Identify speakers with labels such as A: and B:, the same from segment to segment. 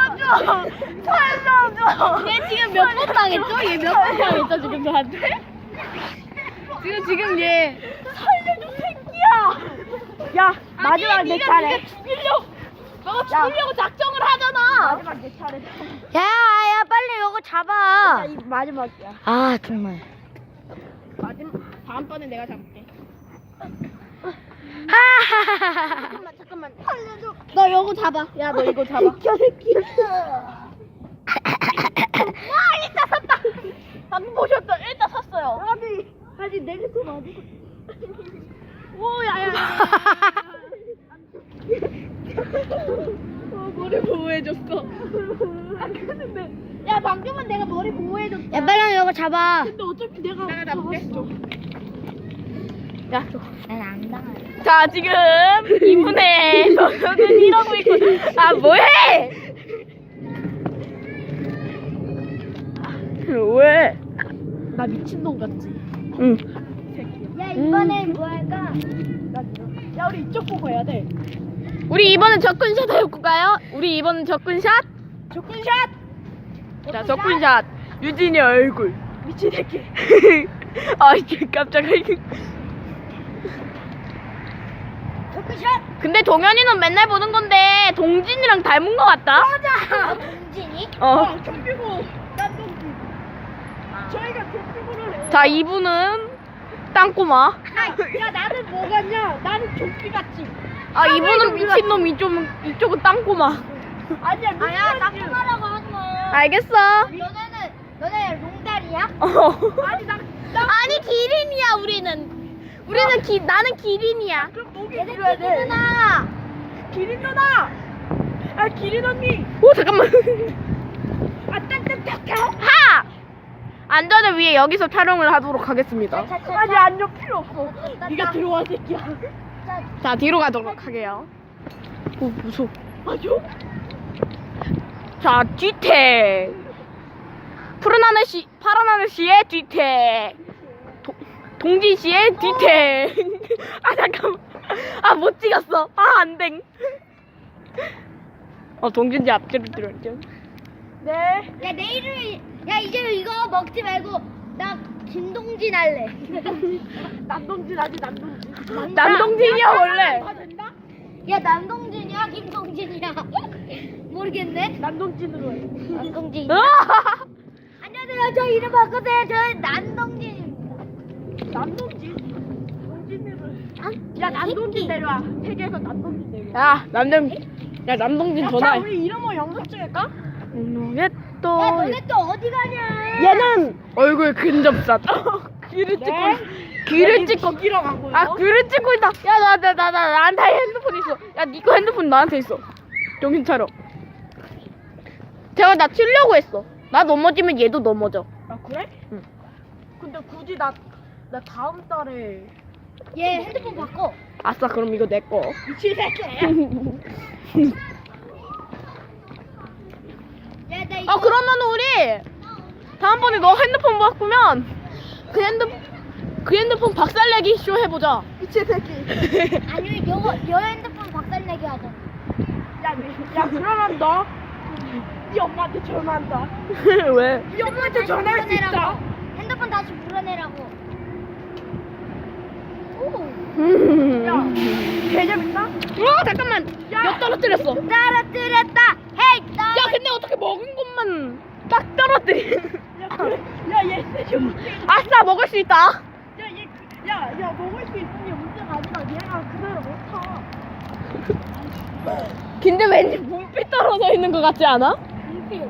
A: 살려줘! 살려줘!
B: 얘 지금 몇 번 당했죠? 얘 몇 번 당했죠 지금 저한테? 지금 얘
A: 살려줘 새끼야! 야 마지막 내 차례.
B: 너가 죽이려고 작정을 하잖아.
A: 마지막 내 차례.
B: 야 빨리 이거 잡아.
A: 이 마지막이야.
B: 아 정말.
A: 다음번에 내가 잡을게.
B: 하하하하.
A: 잠깐만 살려줘.
B: 너 이거 잡아. 야 너 이거 잡아.
A: 저 새끼.
B: 와 일단 샀다.
A: 방금 보셨죠? 일단 샀어요. 아니 내가 더 맞고. 오 야야. 머리 보호해줬어. 아 근데 야 방금은 내가 머리 보호해줬어.
B: 야 빨리 이거 잡아.
A: 근데 어차피 내가 잡을게. 야 줘.
B: 난안 당해.
A: 자 지금 이분의 저는 이러고 있고 아 뭐해? 왜? 나 미친놈 같지? 응.
B: 야 이번엔 뭐 할까?
A: 야 우리 이쪽 보고 해야 돼.
B: 우리 이번엔 접근샷 해볼까요? 우리 이번엔 접근샷?
A: 접근샷. 자 접근샷. 유진이 얼굴. 미친 새끼. 아 이게 깜짝이야.
B: 접근샷.
A: 근데 동현이는 맨날 보는 건데 동진이랑 닮은 것 같다.
B: 맞아. 동진이?
A: 경비고 난 동진. 저희가 경비고를 해. 자 이분은 땅꼬마. 야 나는 뭐 같냐? 나는 좀비 같지. 아 이분은 미친놈 이쪽은 땅꼬마. 아니야
B: 아야 땅콩하라고 하지 마.
A: 알겠어.
B: 너네 롱다리야?
A: 아니 기린이야 우리는. 나는 기린이야. 그럼 목이 길어야 돼.
B: 누나.
A: 기린 누나. 아 기린 언니. 오 잠깐만. 아 딱딱딱딱. 하. 안전을 위해 여기서 촬영을 하도록 하겠습니다. 아니 안전 필요 없어. 네가 들어와 새끼야. 자 뒤로 가도록 하게요. 오 무서워. 맞아? 자 뒤태. 푸른 하늘 파란 하늘 씨의 뒤태. 동진 씨의 뒤태. 아 잠깐만. 아 못 찍었어. 아 안댕. 동진 씨 앞뒤로 들었죠. 네.
B: 야 내일을 야 이제 이거 먹지 말고 나 김동진 할래.
A: 남동진 하지 남동진. 남동진이야 원래.
B: 야 남동진이야 김동진이야. 모르겠네.
A: 남동진으로 해.
B: 남동진. 안녕하세요. 저 이름 바꾸세요. 저 남동진입니다.
A: 남동진? 동진으로 해. 야
B: 야
A: 남동진 내려와. 세계에서 남동진 내려와. 야 남동진 전화해. 자 우리 이름을 영상 찍을까?
B: 야 너네 또 어디 가냐?
A: 얘는 얼굴 근접샷. 귀를 찍고 귀로 가고. 아 귀를 찍고 있다. 야 나한테 핸드폰 있어. 야 니거 핸드폰 나한테 있어. 정신 차려. 제가 나 치려고 했어. 나 넘어지면 얘도 넘어져. 아 그래? 응. 근데 굳이 나 다음 달에
B: 얘 핸드폰 바꿔.
A: 아싸 그럼 이거 내 거. 미친 새끼.
B: 야 나 이거.
A: 그러면 우리 다음번에 너 핸드폰 바꾸면 그 핸드폰 박살내기 쇼 해보자. 미친 새끼.
B: 아니면 여 핸드폰 박살내기 하자.
A: 야 그러면 너 네 엄마한테 전화한다. 왜? 네 엄마한테 전화할 수 있다.
B: 핸드폰 다시 불러내라고. 오.
A: 야 개재밌다. 잠깐만. 엿 떨어뜨렸어.
B: 떨어뜨렸다. 헤이.
A: 야 근데 어떻게 먹은 것만 딱 떨어뜨리. 야얘 아싸 먹을 수 있다. 야 먹을 수 있으니 문제가 아니라 얘가 그대로 못 타. 근데 왠지 문필 떨어져 있는 것 같지 않아?
B: 문필.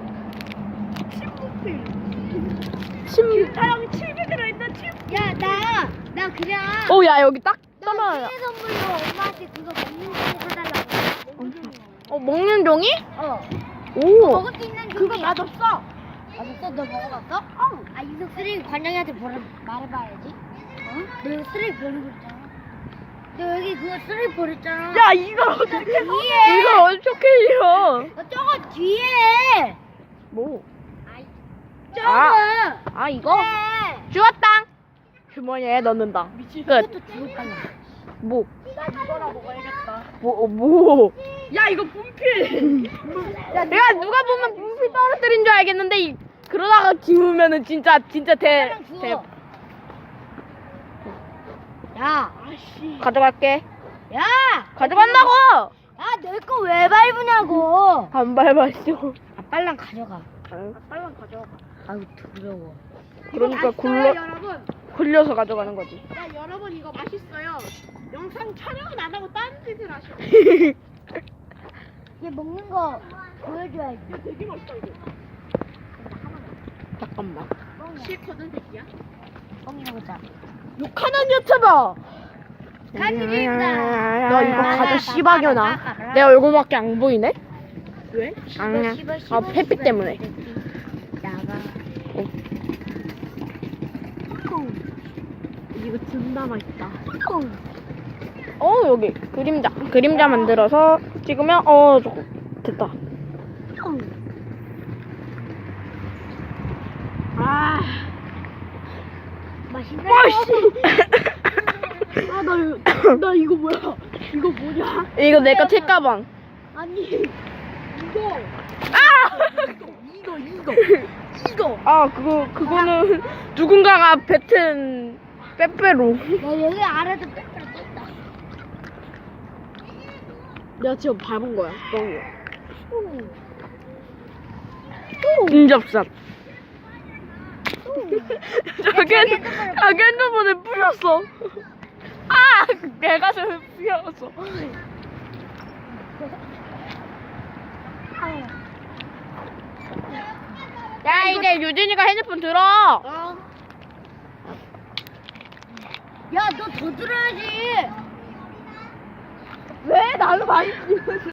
A: 사람이 700으로 있는 침.
B: 야 나 그냥.
A: 야 여기 딱
B: 나
A: 떨어져.
B: 생일 선물로 엄마한테 그거 먹는 종이 사달라고.
A: 먹는 종이?
B: 오. 먹을 수 있는 종이.
A: 그거 맛없어.
B: 맛없어? 너 먹어봤어? 아 이거 쓰레기 관장이한테 말해봐야지. 너 이거 쓰레기 버리고 있잖아. 너 여기 그거 쓰레기 버렸잖아.
A: 야 이걸 어떻게
B: 뒤에.
A: 이걸 어떻게 잃어?
B: 저거 뒤에.
A: 뭐?
B: 저거.
A: 이거?
B: 네.
A: 주웠당. 주머니에 넣는다. 끝.
B: 이것도 주웠다.
A: 뭐? 나 이거나 먹어야겠다. 뭐? 야, 이거 분필. 야, 내가 누가 보면 분필 떨어뜨린 줄 알겠는데, 그러다가 기우면은 진짜 대.
B: 주워. 야,
A: 가져갈게.
B: 야,
A: 가져간다고!
B: 야, 내 거 왜 밟으냐고.
A: 안 밟았어.
B: 아, 빨랑 가져가.
A: 빨랑 가져가.
B: 아유, 더러워.
A: 그러니까
C: 여러분.
A: 굴려서 가져가는 거지.
C: 야, 여러분 이거 맛있어요. 영상 촬영은 안 하고 딴 짓을 하셔.
B: 얘 먹는 거 보여줘야지.
C: 되게 맛있다 이거.
A: 잠깐만.
C: 싫거든 새끼야.
B: 뻥이라고 짜.
A: 욕하는 유튜버!
B: 간일입니다.
A: 너 이거 가져 씨박여나. 내 얼굴밖에 안 보이네?
C: 왜?
A: 아니야. 아, 햇빛 때문에.
B: 나가.
C: 이거 진짜 맛있다.
A: 여기 그림자 만들어서 찍으면 저거 됐다.
C: 아,
B: 맛있네.
C: 아, 나 이거 뭐야? 이거 뭐냐?
A: 이거 내 거 책가방.
C: 아니, 이거. 이거.
A: 아, 그거는 누군가가 뱉은 빼빼로.
B: 나 여기 아래도 빼빼로 떴다.
C: 내가 지금 밟은 거야. 뻥이야.
A: 인접샷. 자기 핸드폰에 뿌렸어. 아, 내가 좀 뿌렸어. 야, 이제 유진이가 핸드폰 들어.
B: 야, 너 더 들어야지.
A: 왜 나를 많이